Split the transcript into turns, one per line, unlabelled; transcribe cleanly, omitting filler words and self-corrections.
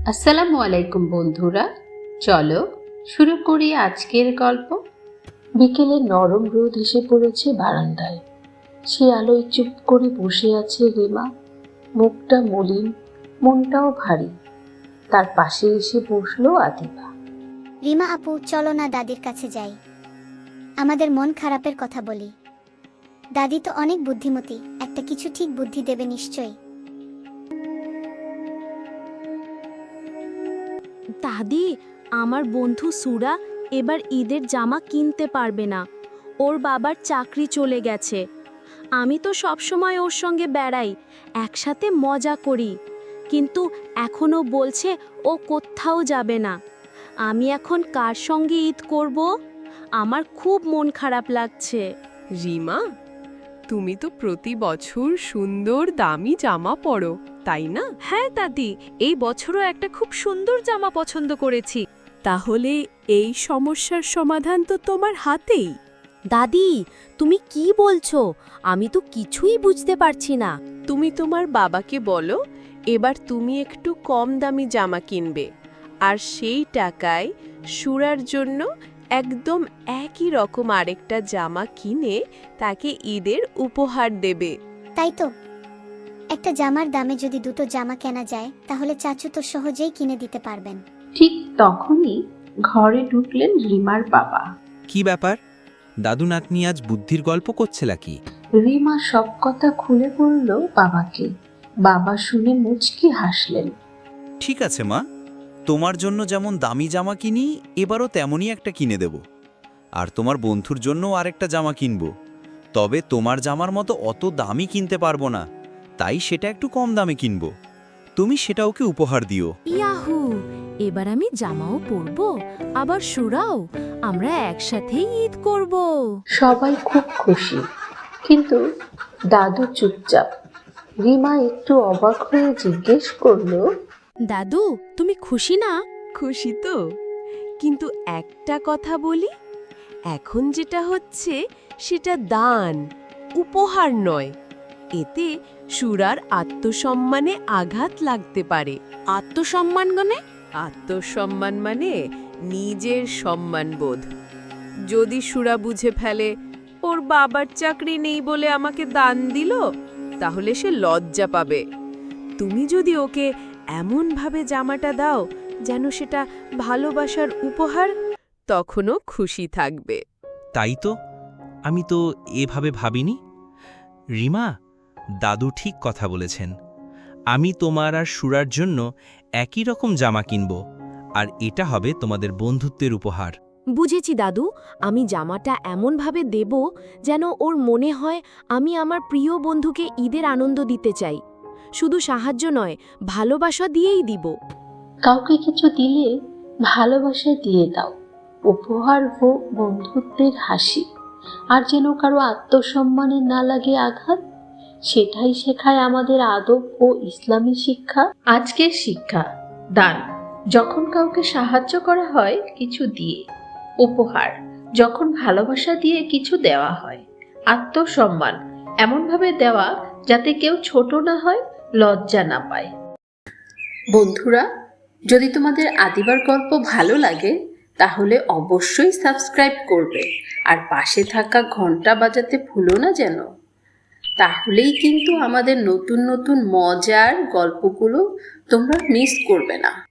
আসসালামু আলাইকুম বন্ধুরা, চলো শুরু করি আজকের গল্প। বিকেলে নরম রোদ এসে পড়েছে বারান্দায়। সে আলোয় চুপ করে বসে আছে রিমা। মুখটা মলিন, মনটাও ভারী। তার পাশে এসে বসলো আদিবা।
রিমা আপু, চলো না দাদির কাছে যাই, আমাদের মন খারাপের কথা বলি। দাদি তো অনেক বুদ্ধিমতী, একটা কিছু ঠিক বুদ্ধি দেবে নিশ্চয়ই।
দাদি, আমার বন্ধু সুরা এবার ঈদের জামা কিনতে পারবে না। ওর বাবার চাকরি চলে গেছে। আমি তো সবসময় ওর সঙ্গে বেড়াই, একসাথে মজা করি, কিন্তু এখনো বলছে ও কোথাও যাবে না। আমি এখন কার সঙ্গে ঈদ করব? আমার খুব মন খারাপ লাগছে।
রিমা, তুমি তো প্রতি বছর সুন্দর দামি জামা পরো, তাই না?
হ্যাঁ দাদি, এই বছরও একটা খুব সুন্দর জামা পছন্দ করেছি।
তাহলে এই সমস্যার সমাধান তো তোমার হাতেই।
দাদি, তুমি কি বলছো? আমি তো কিছুই বুঝতে পারছি না।
তুমি তোমার বাবাকে বলো এবার তুমি একটু কম দামি জামা কিনবে, আর সেই টাকায় সুরার জন্য একদম একই রকম আরেকটা জামা কিনে তাকে ঈদের উপহার দেবে।
তাই তো, একটা জামার দামে যদি দুটো জামা কেনা যায় তাহলে চাচু তো সহজেই কিনে দিতে পারবেন।
ঠিক তখনই ঘরে ঢুকলেন রিমার বাবা।
কি ব্যাপার? দাদু নাতনি আজ বুদ্ধির গল্প করছে নাকি?
রিমা সব কথা খুলে বলল বাবাকে। বাবা শুনে মুচকি হাসলেন।
ঠিক আছে মা, তোমার জন্য যেমন দামি জামা কিনি, এবারও তেমনই একটা কিনে দেব। আর তোমার বন্ধুর জন্যও আরেকটা জামা কিনব। তবে তোমার জামার মতো অত দামি কিনতে পারবো না, তাই সেটা একটু কম দামে কিনব। তুমি সেটা ওকে উপহার দিও।
ইয়াহু, এবার আমি জামাও পরবো, আবার সুরাও। আমরা একসাথেই ঈদ করব।
সবাই খুব খুশি, কিন্তু দাদু চুপচাপ। রিমা একটু অবাক হয়ে জিজ্ঞেস করলো,
দাদু, তুমি খুশি না?
খুশি তো, কিন্তু একটা কথা বলি, এখন যেটা হচ্ছে সেটা দান, উপহার নয়। এতে সুরার আত্মসম্মানে আঘাত লাগতে পারে।
আত্মসম্মান
আত্মসম্মান মানে নিজের সম্মানবোধ। যদি সুরা বুঝে ফেলে ওর বাবার চাকরি নেই বলে আমাকে দান দিল, তাহলে সে লজ্জা পাবে। তুমি যদি ওকে এমনভাবে জামাটা দাও যেন সেটা ভালোবাসার উপহার, তখনও খুশি থাকবে।
তাই তো, আমি তো এভাবে ভাবিনি। রিমা, দাদু ঠিক কথা বলেছেন। আমি তোমার আর সুরার জন্য একই রকম জামা কিনব, আর এটা হবে তোমাদের বন্ধুত্বের উপহার।
বুঝেছি দাদু, আমি জামাটা এমনভাবে দেব যেন ওর মনে হয় আমি আমার প্রিয় বন্ধুকে ঈদের আনন্দ দিতে চাই। শুধু সাহায্য নয়, ভালোবাসা দিয়েই দিব।
কাউকে কিছু দিলে ভালোবাসা দিয়ে দাও, উপহার হোক বন্ধুত্বের হাসি, আর যেন কারো আত্মসম্মানে না লাগে আঘাত। সেটাই শেখায় আমাদের আদব ও ইসলামী শিক্ষা। আজকের শিক্ষা: দান, যখন কাউকে সাহায্য করা হয় কিছু দিয়ে; উপহার, যখন ভালোবাসা দিয়ে কিছু দেওয়া হয়; আত্মসম্মান, এমনভাবে দেওয়া যাতে কেউ ছোট না হয়, লজ্জা না পায়। বন্ধুরা, যদি তোমাদের আদিবার গল্প ভালো লাগে তাহলে অবশ্যই সাবস্ক্রাইব করবে, আর পাশে থাকা ঘন্টা বাজাতে ভুলো না যেন। তাহলেই কিন্তু আমাদের নতুন নতুন মজার গল্পগুলো তোমরা মিস করবে না।